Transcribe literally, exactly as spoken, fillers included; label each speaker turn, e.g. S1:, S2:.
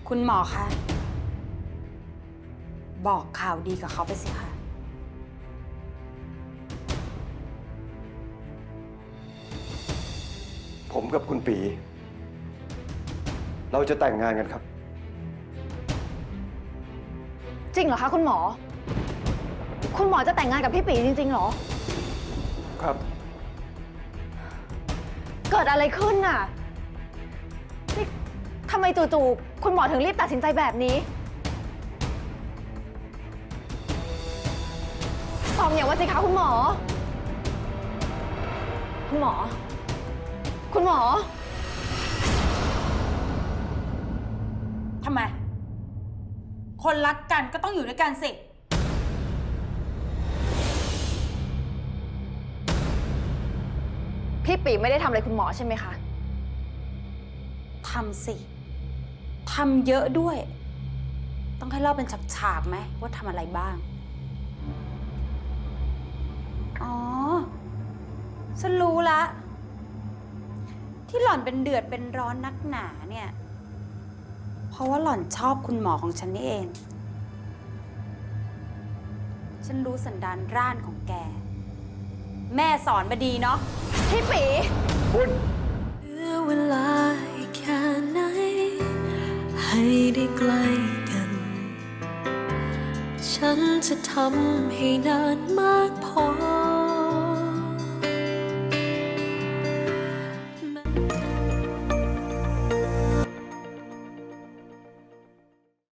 S1: คุณหมอคะบอกข่าวดีกับเขาไปสิคะ
S2: ผมกับคุณปี เราจะแต่งงานกันครับ
S3: จริงเหรอคะคุณหมอ คุณหมอจะแต่งงานกับพี่ปีจริงๆเหรอ
S2: ครับ
S3: เกิดอะไรขึ้นน่ะนี่ทำไมจู่ๆคุณหมอถึงรีบตัดสินใจแบบนี้ตอบอย่างว่าสิคะคุณหมอ คุณหมอ คุณหมอ
S1: ทำไม คนรักกันก็ต้องอยู่ด้วยกันสิ
S3: พี่ปีไม่ได้ทำอะไรคุณหมอใช่ไหมคะ
S1: ทำสิ ทำเยอะด้วย ต้องให้เล่าเป็นฉากๆไหมว่าทำอะไรบ้าง อ๋อ ฉันรู้ละ ที่หล่อนเป็นเดือดเป็นร้อนนักหนาเนี่ย เพราะว่าหล่อนชอบคุณหมอของฉันนี่เอง ฉันรู้สันดานร่านของแก แม่สอนมาดีเนาะ
S3: พี่ปี
S2: คุณ
S4: เหลือเวลาอีกแค่ไหน ให้ได้ใกล้กัน ฉันจะทำให้นานมากพอ